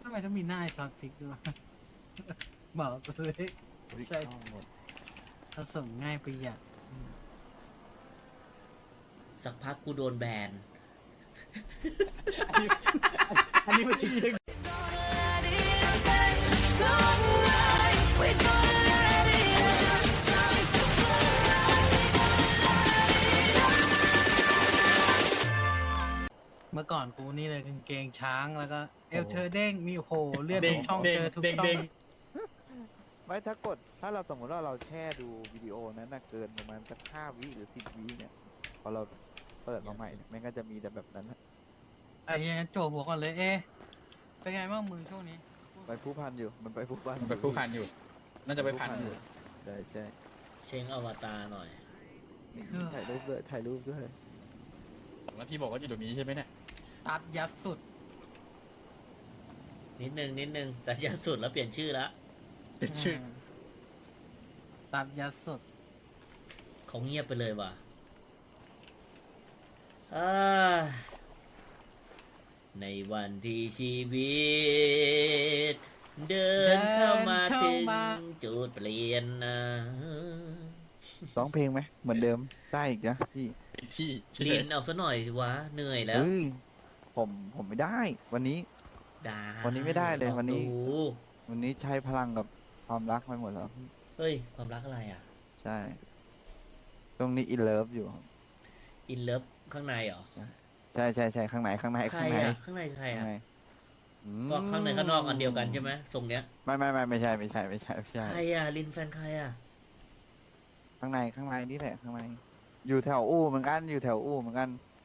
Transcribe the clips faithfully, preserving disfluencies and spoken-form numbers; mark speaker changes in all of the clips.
Speaker 1: ทำไมต้องมีหน้าไอ้ซอสพริกด้วยเหมาเลยใช่ผสมง่ายประหยัด
Speaker 2: สักพักกูโดนแบน
Speaker 3: อันนี้มันคิดเอง
Speaker 1: เมื่อก่อนกูนี่เลยกางเกงช้างแล้วก็เอลเธอเด้งมีโหเลือดทุกช่อง
Speaker 3: เด้ง
Speaker 1: เจอทุก
Speaker 3: เด้ง
Speaker 1: ช่อ
Speaker 3: เด้
Speaker 1: ง
Speaker 3: ง
Speaker 4: ไม่ถ้ากดถ้าเราสมมติว่าเราแช่ดูวิดีโอนั้นนะเกินประมาณสักห้าวิหรือสิบวิเนี่ยพอเราเปิดมาใหม่เนี่ยมันก็จะมีแต่แบบนั้นนะ
Speaker 1: ไอ้เหี้ยโจหัวก่อนเลยเอ๊ะเป็นไงบ้างมึงช่วงนี้
Speaker 4: ไปผู้พันอยู่มันไปผู้พัน
Speaker 3: มันไปผู้พันอยู่ น่าจะไปพันอยู่
Speaker 4: ใช่ใช่
Speaker 2: เช็งอวตารหน่อย
Speaker 4: ถ่ายรูปด้วยถ่ายรูปด้วย
Speaker 3: แล้วที่บอกว่าอยู่ตรงนี้ใช่ไหมเนี่ย
Speaker 1: ตัดยัดสุด
Speaker 2: นิดนึงนิดนึงแต่ยาสุดแล้วเปลี่ยนชื่อแล้ว
Speaker 3: เป็นชื่อ
Speaker 1: ตัดยัดสุด
Speaker 2: เขาเงียบไปเลยว่ะอ่าในวันที่ชีวิต เดินเข้ามาถึงจุดเปลี่ยนนะ
Speaker 4: ร้องเพลงไหมเหมือนเดิมได้อีกนะพี่
Speaker 3: เป็นที่ที่
Speaker 2: ลินเอาซะหน่อยสิวะเหนื่อยแล้ว
Speaker 4: เฮ้ยผมผมไม่ได้ วันนี้
Speaker 2: ดา
Speaker 4: วันนี้ไม่ได้เลยวันนี้
Speaker 2: ลองดู
Speaker 4: วันนี้ใช้พลังกับความรักไปหมดแล้ว
Speaker 2: เฮ้ย ความรักอะไรอ่ะ
Speaker 4: ใช่ตรงนี้อินเลิฟอยู่
Speaker 2: อินเลิฟข้างในเหรอ
Speaker 4: ใช่ใช่ใช่ข้างในข้างใน
Speaker 2: ใคร
Speaker 4: ข้างใน
Speaker 2: อ่ะ ข้างในใคร
Speaker 4: ข้าง
Speaker 2: อ่ะ
Speaker 4: ในอืม
Speaker 2: ก็ข้างในข้างนอกอันเดียวกันใช่ไหมทรงเนี้ย
Speaker 4: ไม่ไม่ไม่ไม่ใช่ไม่ใช่ไม่ใช่ไม่ใช่
Speaker 2: ใครอ่ะ ลินแฟนใครอ่ะ
Speaker 4: ข้างในข้างในนี่แหละข้างในอยู่แถวอู่เหมือนกันอยู่แถวอู่เหมือนกัน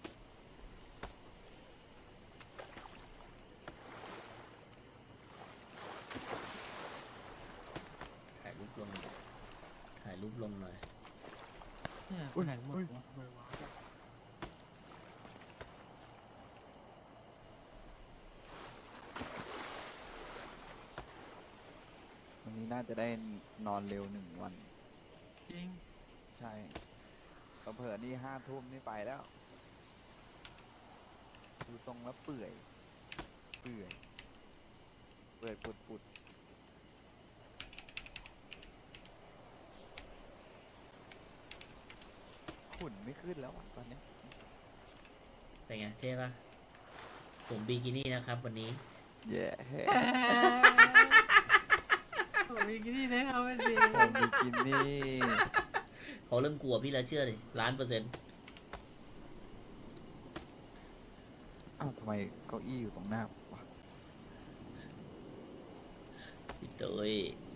Speaker 2: ถ่ายรูปลงหน่อยถ่ายรูปลงหน่อย
Speaker 1: เนี่ยไปไหนหมดวะ
Speaker 4: วันนี้น่าจะได้นอนเร็วหนึ่งวัน
Speaker 1: จริง
Speaker 4: ใช่เผลอๆนี่ห้าทุ่มนี่ไปแล้วดูทรงแล้วเปื่อยเปื่อยเปื่อยปุดปุดขุ่นไม่ขึ้นแล้วอ่ะตอนเนี้ย
Speaker 2: เป็นไงเท่ปะผมบิกินี่นะครับวันนี้
Speaker 4: แย่
Speaker 1: ผมมีกินนี่นะครับไม่ดี
Speaker 4: ผมบิกินี่
Speaker 2: เขาเริ่มกลัวพี่แล้วเชื่อเลยล้านเปอร์เซ็นต์
Speaker 4: อ้าวทำไมเก้าอี้อยู่ตรงหน้าผมวะ
Speaker 2: พี่ตุ้ย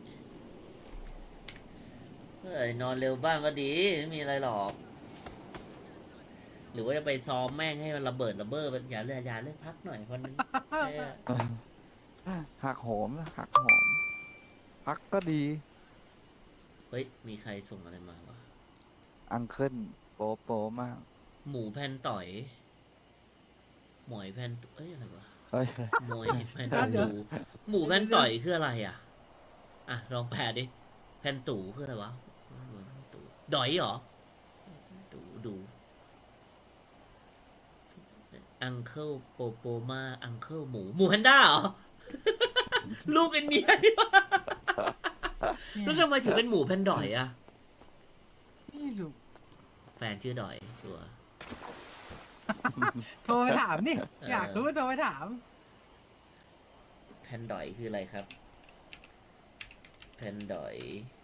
Speaker 2: เฮ้ยนอนเร็วบ้างก็ดีไม่มีอะไรหรอก หรือว่าจะไปซ้อมแม่งให้มันระเบิดระเบ้ออย่าเลือกอย่าเลือกพักหน่อยคนนึงแค่
Speaker 4: หักโหมนะหักโหมพักก็ดี
Speaker 2: เฮ้ยมีใครส่งอะไรมาวะ
Speaker 4: อังเคิลโปโปมาก
Speaker 2: หมูแผ่นต่อย หมอยแผ่นตุเอ้ยอะไรวะ
Speaker 4: เฮ้ย
Speaker 2: หมอยแผ่นตูหมูแผ่นต่อยคืออะไรอ่ะ อ่ะลองแปลดิแผ่นตูคืออะไรวะหมูแผ่นตู่ดอยเหรอดูดูอังเคิลโปโปมาอังเคิลหมูหมูแพนด้าเหรอ ลูกไอันเนี้ยนี่วะแล้วทำไมถึงเป็นหมูแพนดอยอ่ะ
Speaker 1: นี่ดู
Speaker 2: แฟนชื่อดอยชัวร์
Speaker 1: โทรไปถามนี่ อยากรู้โทรไปถาม
Speaker 2: แพนดอยคืออะไรครับแพนดอย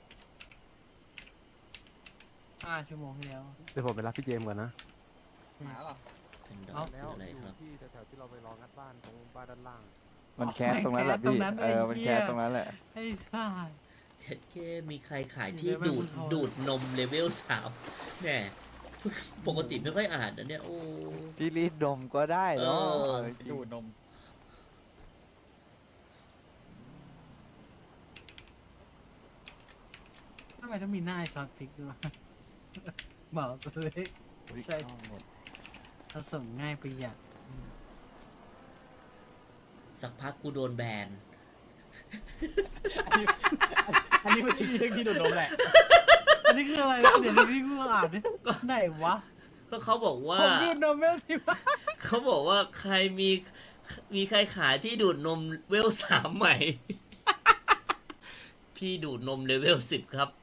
Speaker 1: ห้าชั่วโมงที่แล้ว
Speaker 5: เดี๋ยวผมไปรับพี่เจมส์ก่อนนะ
Speaker 3: หมาเหรอ
Speaker 2: แพนดอย
Speaker 1: เอ้า
Speaker 2: คืออะไรครับ
Speaker 5: ที่แถวๆที่เราไปรองัดบ้านตรงบ้านด้านล่าง
Speaker 4: มันแคสตรงนั้นแหละพี่ เออ มันแคสตรงนั้นแหละ
Speaker 1: ไอ้ซ่า
Speaker 2: เช็ดเคมีใครขายที่
Speaker 1: เดี๋ยว
Speaker 2: ดูด
Speaker 1: แม่งพูด
Speaker 2: ดูดนมเลเวลสามแหน่ปกติไม่ค่อยอ่านนะเนี่ย โอ้
Speaker 4: พี่รีดดมก็ได้เนาะ
Speaker 2: เออ
Speaker 4: เอาจริง
Speaker 3: ดูดนม
Speaker 1: ทำไมต้องมีหน้าไอ้ซอสพริกด้วยเหมาเลย
Speaker 4: อุ๊ย
Speaker 1: ใช่
Speaker 4: เข้าหมด
Speaker 1: ผสมง่ายประหยัด
Speaker 2: สักพักกูโดนแบน
Speaker 3: อันนี้อันนี้มันคิดเองที่ดูดนมแหละ
Speaker 1: อันนี้คืออะไรวะเดี๋ยวที่กูอ่านดิไหนวะ
Speaker 2: ก็เขาบอกว่า
Speaker 1: ผมดูดนมไม่ได้วะ
Speaker 2: เขาบอกว่าใครมีมีใครขายที่ดูดนมเวลสามใหม่ พี่ดูดนมเลเวลสิบครับ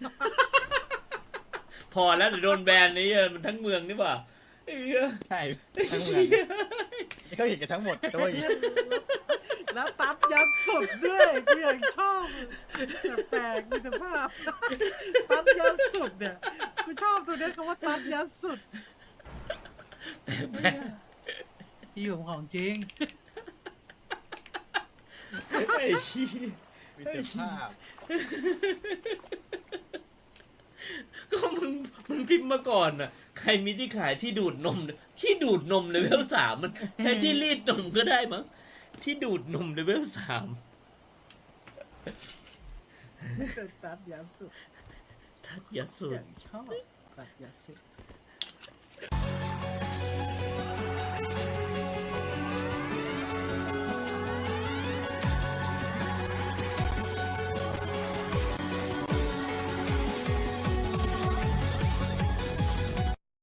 Speaker 2: พอแล้วเดี๋ยวโดนแบนนี่มันทั้งเมืองนี่ป่ะไอ้เหี้ย
Speaker 3: ใช่ทั้งเมืองเขาเห็นกันทั้งหมดด้วย
Speaker 1: แล้วตัดยัดสุดด้วยกูยังชอบแปลกๆมีแต่ภาพตัดยัดสุดเนี่ยกูชอบตัวเนี้ยคำว่าตัดยัดสุด
Speaker 2: แปลก
Speaker 1: พี่ผมของจริง
Speaker 2: ๆไอ้ชี้
Speaker 3: มีแต่ภาพ
Speaker 2: ก็มึงมึงพิมพ์มาก่อนอ่ะ ใครมีที่ขายที่ดูดนมที่ดูดนมเลเวลสามมันใช้ที่รีดนมก็ได้มั้งที่ดูดนมเลเวลสาม
Speaker 1: ตัดยัดสุด
Speaker 2: ทัดยัดสุ
Speaker 1: อ
Speaker 2: ด
Speaker 1: ย่างชอบตัดยัดสุด